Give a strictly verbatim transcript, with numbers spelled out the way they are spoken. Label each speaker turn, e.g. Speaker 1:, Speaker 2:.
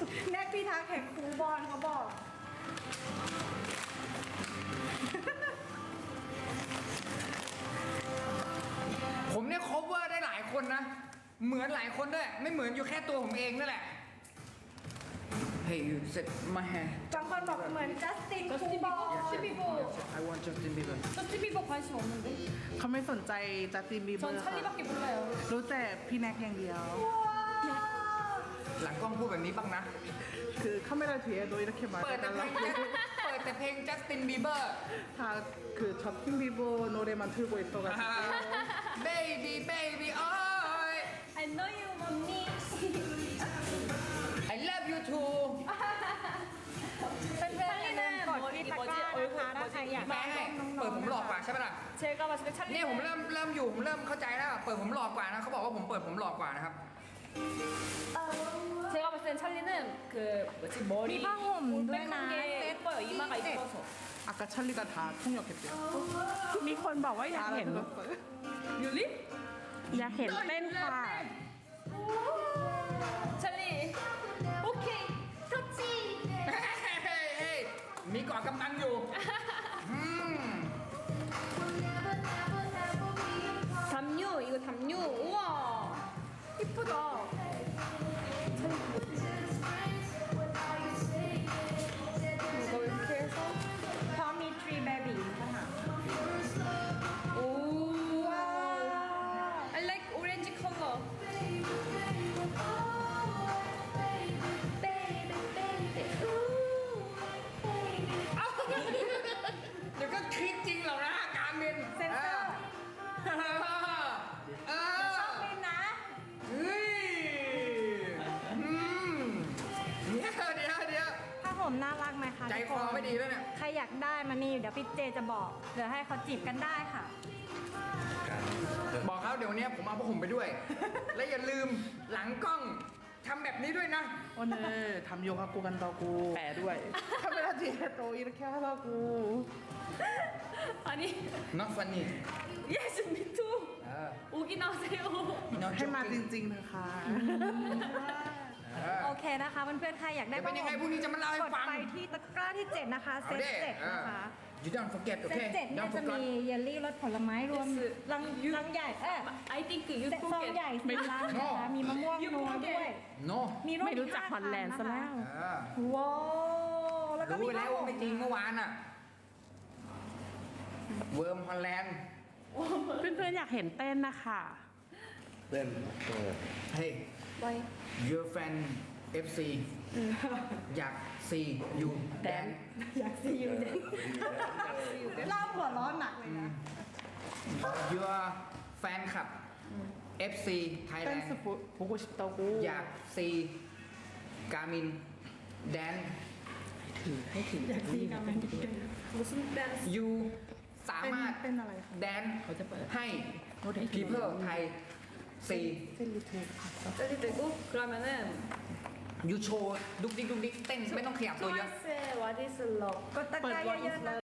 Speaker 1: แน็กพี่ทักแข่งครูบอลเขาบอก
Speaker 2: ผมเนี่ย cover ได้หลายคนนะ เหมือนหลายคนด้วย ไม่เหมือนอยู่แค่ตัวผมเองนั่นแหละ Hey you set my hair
Speaker 1: บางคนบอกเหมือนจัสตินครูบอล
Speaker 3: 저스틴 비버
Speaker 2: I want Justin Bieber
Speaker 3: 저스틴 비버 관심 없는데
Speaker 4: เขาไม่สนใจจัสตินบีเบอ
Speaker 3: 전
Speaker 4: ร์ค่ะ
Speaker 3: 찰리밖에 몰라요
Speaker 4: รู้แต่พี่แน็กอย่างเดียว
Speaker 2: หลังกล้องพูดแบบนี้บ้างนะ
Speaker 4: คือ카메라 뒤에 너 이렇게
Speaker 2: เปิดแต่เพลง
Speaker 4: 말해달라고
Speaker 2: เปิดแต่เพลง Justin Bieber
Speaker 4: 다그 저스틴 비버 노래만 틀고 있어가지고
Speaker 2: Baby baby oh
Speaker 3: I know you mommy
Speaker 2: I love you too
Speaker 1: เพื่อนๆอย่าลืมกดที่ตะกร้านะคะถ้าใครอยาก
Speaker 2: แม่ให้
Speaker 1: น้องๆ
Speaker 2: เปิดผมหลอกกว่าใช่ปะล่ะ
Speaker 3: 제가 봤을 때 찰리
Speaker 2: เนี่ยผมเริ่มเริ่มอยู่ผมเริ่มเข้าใจแล้ว เปิดผมหลอกกว่านะเขาบอกว่าผมเปิดผมหลอกกว่านะครับ
Speaker 3: 제가 봤을 땐 찰리는 그 뭐지 머리
Speaker 1: 미방홈
Speaker 3: 올백한 게
Speaker 1: 누나
Speaker 3: 예뻐요 이마가 이뻐서
Speaker 4: 아까 찰리가 다 통역했대요
Speaker 5: มีคนบอกว่าอยากเห็น
Speaker 4: 알아들었어요?
Speaker 3: 율리?
Speaker 5: อยากเห็นเต้นค่ะ
Speaker 3: 찰리 오케이 터치
Speaker 2: เฮ้ยเฮ้ยเฮ้ยมีเกาะกำลังอยู่อืม
Speaker 3: 담요 이거 담요 우와 이쁘다 이거 이렇게 해서
Speaker 1: พร้อมมีทรีเบบี้ค่ะ
Speaker 3: 오 I like orange color
Speaker 2: เอ้าเดี๋ยวก็คลิกจริงเหรอนะการเมน
Speaker 1: เซ็นเซอร์
Speaker 2: เออเออ
Speaker 1: ชอบบินนะ
Speaker 2: เฮ้ยอืมเดี๋ยวเดี๋ยวเดี๋ยว
Speaker 1: ผ้าห่มน่ารักไหมคะ
Speaker 2: ใจคอไม่ดีแล้วเนี่ย
Speaker 1: ใครอยากได้มานี่เดี๋ยวพี่เจจะบอกเดี๋ยวให้เขาจีบกันได้ค่ะ
Speaker 2: บอกเขาเดี๋ยวเนี้ยผมเอาพวกผมไปด้วย และอย่าลืมหลังกล้องทำแบบนี้ด้วยนะ
Speaker 4: 오늘 담요 갖고 간다고
Speaker 5: แปลด้วย
Speaker 4: 카메라 뒤에 또 이렇게 하라고
Speaker 3: 아니
Speaker 2: not funny
Speaker 3: yes me too
Speaker 2: เออ
Speaker 3: 오기 나오세요
Speaker 2: not
Speaker 4: ให้มาจ
Speaker 2: joking
Speaker 4: ริงๆนะคะ
Speaker 2: เออ
Speaker 1: โอเคนะคะเพื่อนๆใครอยากได้
Speaker 2: เดี๋ยวเป็นยังไง
Speaker 1: ผ้า
Speaker 2: พรุ่งนี้จะมาเล่าให้
Speaker 1: กด
Speaker 2: ฟัง
Speaker 1: ไปที่ตะกร้าที่เจ็ดนะคะเซ
Speaker 2: เอา
Speaker 1: ต
Speaker 2: ดิ
Speaker 1: เจ็ด
Speaker 2: เออ
Speaker 1: นะคะ
Speaker 2: you don't forget โอ
Speaker 1: เซ
Speaker 2: เค
Speaker 1: ตเจ็ดเนี่ย
Speaker 2: don't
Speaker 1: จะมี
Speaker 2: forget
Speaker 1: เยลลี่รสผลไม้รวม
Speaker 3: Yes
Speaker 1: ลังลังใหญ่เออ
Speaker 3: I think you
Speaker 1: เซตซองใหญ่
Speaker 3: forget
Speaker 1: สีลังนะคะมีมะม่วง
Speaker 3: You
Speaker 1: นัว
Speaker 3: forget
Speaker 1: ด้วย
Speaker 2: no
Speaker 1: มีรส
Speaker 5: ไม่รู้จัก
Speaker 1: ห้า
Speaker 5: ฮอลแลนด์
Speaker 1: คั
Speaker 5: ซะแล้ว
Speaker 1: นะคะ
Speaker 2: เออ
Speaker 1: ว้าวแล้วก็
Speaker 2: รู้
Speaker 1: มี
Speaker 2: ไปแล้วว่าไม่จริงเมื่อวานอ่ะเวิร์มฮอลแลนด์
Speaker 5: เพื่อนๆอยากเห็นเต้นนะคะ
Speaker 6: เต้นเออ
Speaker 2: เฮ้ย
Speaker 3: Why
Speaker 2: your fan เอฟ ซี อยาก see you dance
Speaker 1: อยากซียูเดนเล่าหัวร้อนหนักเลยนะ
Speaker 2: your fan คลับ เอฟ ซี Thailand
Speaker 4: 댄스 보, 보고 싶다고
Speaker 2: อยาก see กามิน dance
Speaker 1: อยากซีกันไหม
Speaker 3: 무슨 댄스
Speaker 2: you สามารถ
Speaker 4: เต้นอะไรคะ
Speaker 2: dance ให้ people ไทย see
Speaker 3: 셀리 되고 그러면은
Speaker 2: you show ดุกดิกดุกดิกเต้นไม่ต้องขยับตัวเยอะ
Speaker 3: 트와이스의 What is Love
Speaker 1: กดตะกร้าเยอะๆนะ